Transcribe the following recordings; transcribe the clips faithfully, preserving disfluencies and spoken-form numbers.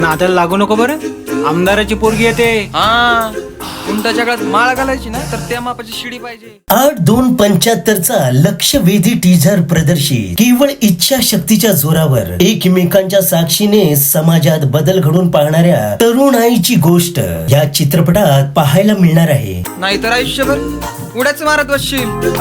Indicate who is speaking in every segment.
Speaker 1: नात्याला लागू नको बरं. आमदाराची पोरगी येते.
Speaker 2: हा उंटाच्या काळात माळ घालायची ना तर त्या मापाची शिडी पाहिजे.
Speaker 3: आठ दोन पंच्याहत्तरचा लक्षवेधी टीझर प्रदर्शित. केवळ इच्छा शक्तीच्या जोरावर एकमेकांच्या साक्षीने समाजात बदल घडून पाहणाऱ्या तरुणाईची गोष्ट या चित्रपटात पाहायला मिळणार आहे.
Speaker 2: नाहीतर आयुष्यभर उड्याच मारत बसशील.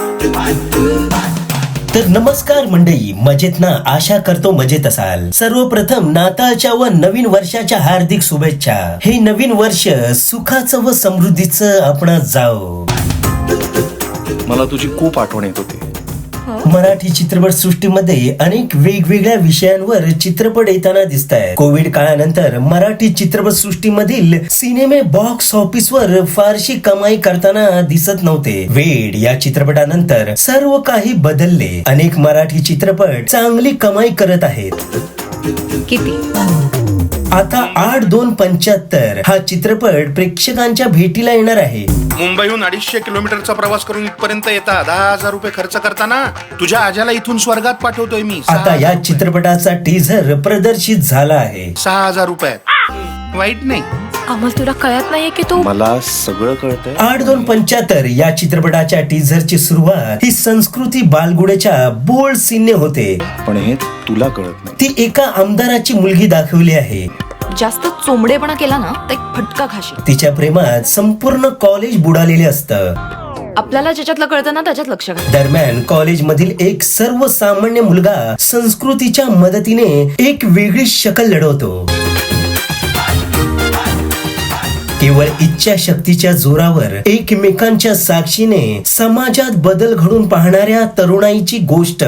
Speaker 3: तर नमस्कार मंडळी, मजेत ना? आशा करतो मजेत असाल. सर्वप्रथम नाताळच्या व नवीन वर्षाच्या हार्दिक शुभेच्छा. हे नवीन वर्ष सुखाचं व समृद्धीचं आपण जाओ.
Speaker 4: मला तुझी खूप आठवण येत होती.
Speaker 3: मराठी चित्रपट सृष्टीमध्ये अनेक वेगवेगळ्या विषयांवर चित्रपट येताना दिसत आहे. कोविड काळानंतर मराठी चित्रपट सृष्टीमधील सिनेमे बॉक्स ऑफिसवर फारशी कमाई करताना दिसत नव्हते. वेड या चित्रपटानंतर सर्व काही बदलले. अनेक मराठी चित्रपट चांगली कमाई करत आहेत.
Speaker 5: किती?
Speaker 3: आता आठ दोन पंच्याहत्तर हा चित्रपट प्रेक्षकांच्या भेटीला येणार आहे.
Speaker 4: मुंबईहून अडीचशे किलोमीटरचा प्रवास करून इथपर्यंत येता दहा हजार रुपये खर्च करताना तुझ्या आज्याला इथून स्वर्गात पाठवतोय मी.
Speaker 3: आता या चित्रपटाचा टीझर प्रदर्शित झाला आहे.
Speaker 4: सहा हजार रुपये वाईट नाही.
Speaker 5: आम्हाला तुला कळत नाहीये की तू
Speaker 4: मला सगळं कळतंय.
Speaker 3: आठ दोन पंच्याहत्तर या चित्रपटाच्या टीझरची सुरुवात ही संस्कृती बालगुडेच्या बोल्ड सीनने होते.
Speaker 4: पण हे तुला कळत नाही.
Speaker 3: ती एका आमदाराची मुलगी दाखवली आहे.
Speaker 5: जास्त चोंबडेपणा केला ना तर एक फटका खाशील.
Speaker 3: तिच्या प्रेमात संपूर्ण कॉलेज बुडालेले असतं.
Speaker 5: आपल्याला ज्याच्यातलं कळतं ना त्याच्यात लक्ष घाल.
Speaker 3: दरम्यान कॉलेज मधील एक सर्वसामान्य मुलगा संस्कृतीच्या मदतीने एक वेगळी शकल लढवतो. केवळ इच्छा शक्तीच्या जोरावर एकमेकांच्या साक्षीने समाजात बदल घडून पाहणाऱ्या तरुणाईची गोष्ट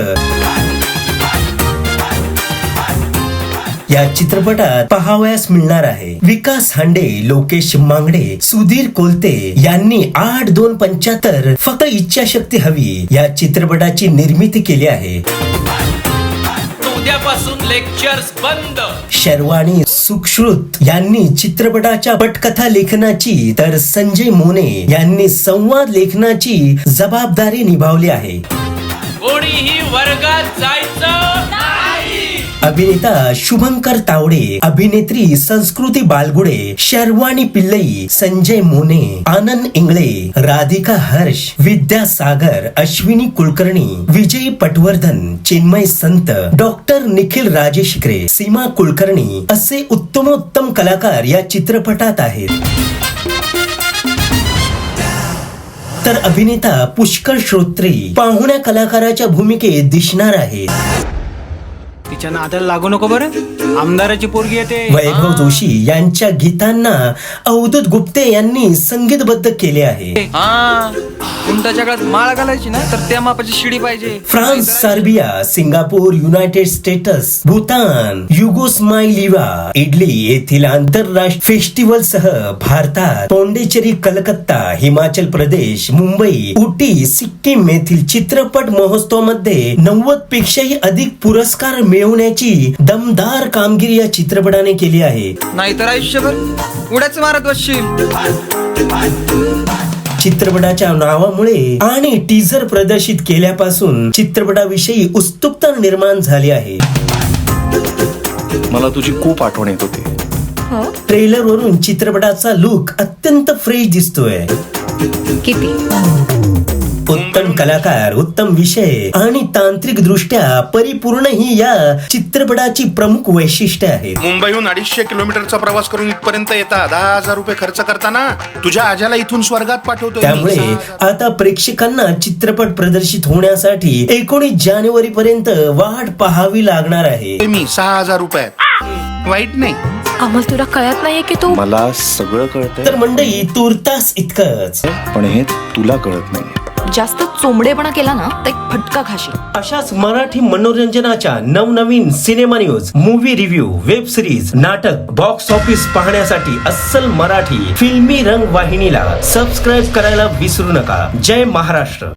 Speaker 3: या चित्रपटात पाहावयास मिळणार आहे. विकास हांडे, लोकेश मांगडे, सुधीर कोलते यांनी आठ दोन पंच्याहत्तर फक्त इच्छाशक्ती हवी या चित्रपटाची निर्मिती केली आहे.
Speaker 6: उद्यापासून लेक्चर्स बंद.
Speaker 3: शर्वाणी सुश्रुत यांनी चित्रपटाच्या पटकथा लेखनाची तर संजय मोने यांनी संवाद लेखनाची जबाबदारी निभावली आहे.
Speaker 6: कोणीही वर्गात जायचं नाही.
Speaker 3: अभिनेता शुभंकर तावडे, अभिनेत्री संस्कृती बालगुडे, शर्वाणी पिल्लई, संजय मोने, आनंद इंगळे, राधिका हर्ष, विद्या सागर, अश्विनी कुलकर्णी, विजय पटवर्धन, चिन्मय संत, डॉक्टर निखिल राजेशिकरे, सीमा कुलकर्णी असे उत्तमोत्तम कलाकार या चित्रपटात आहेत. तर अभिनेता पुष्कर श्रोत्री पाहुण्या कलाकाराच्या भूमिकेत दिसणार आहेत.
Speaker 1: तिच्या नात्याला लागू नको बरं. आमदाराची पोरगी येते.
Speaker 3: वैभव जोशी यांच्या गीतांना अवधूत गुप्ते यांनी संगीतबद्ध केले आहे.
Speaker 2: हा उंटाच्या काळात माळ घालायची ना तर त्या मापाची शिडी पाहिजे.
Speaker 3: France, Serbia, Singapore, United States, Bhutan, Yugoslavia, Italy येथील आंतरराष्ट्रीय फेस्टिवल सह भारतात पॉंडिचेरी, कलकत्ता, हिमाचल प्रदेश, मुंबई, उटी, सिक्कीम येथील चित्रपट महोत्सवामध्ये नव्वद पेक्षाही अधिक पुरस्कार मिळवण्याची दमदार कामगिरी या चित्रपटाने केली आहे.
Speaker 2: नाहीतर आयुष्यभर उड्याच मारत बसशील.
Speaker 3: चित्रपटाच्या नावामुळे आणि टीझर प्रदर्शित केल्यापासून चित्रपटाविषयी उत्सुकता निर्माण झाली आहे.
Speaker 4: मला तुझी खूप आठवण येत होती.
Speaker 3: ट्रेलर वरून चित्रपटाचा लुक अत्यंत फ्रेश दिसतोय.
Speaker 5: किती?
Speaker 3: उत्तम कलाकार, उत्तम विषय आणि तांत्रिक दृष्ट्या परिपूर्ण ही या चित्रपटाची प्रमुख वैशिष्ट्ये आहेत.
Speaker 4: मुंबईहून अडीचशे किलोमीटरचा प्रवास करून इथपर्यंत येता दहा हजार रुपये खर्च करताना तुझ्या आज्याला इथून स्वर्गात पाठवतोय.
Speaker 3: त्यामुळे आता प्रेक्षकांना चित्रपट प्रदर्शित होण्यासाठी एकोणीस जानेवारी पर्यंत वाट पाहावी लागणार आहे.
Speaker 4: मी सहा हजार रुपये वाईट नाही.
Speaker 5: आम्हाला तुला कळत नाहीये की तू
Speaker 4: मला सगळं कळतंय.
Speaker 3: तर मंडळी, तुर्तास इतकंच.
Speaker 4: पण हे तुला कळत नाही.
Speaker 5: जास्त चोंबडेपणा केला ना तर एक फटका खाशील.
Speaker 3: अशाच मराठी मनोरंजनाच्या नवनवीन cinema news, movie review, web series, नाटक, बॉक्स ऑफिस पाहण्यासाठी अस्सल मराठी फिल्मी रंग वाहिनीला सबस्क्राईब करायला विसरू नका. जय महाराष्ट्र.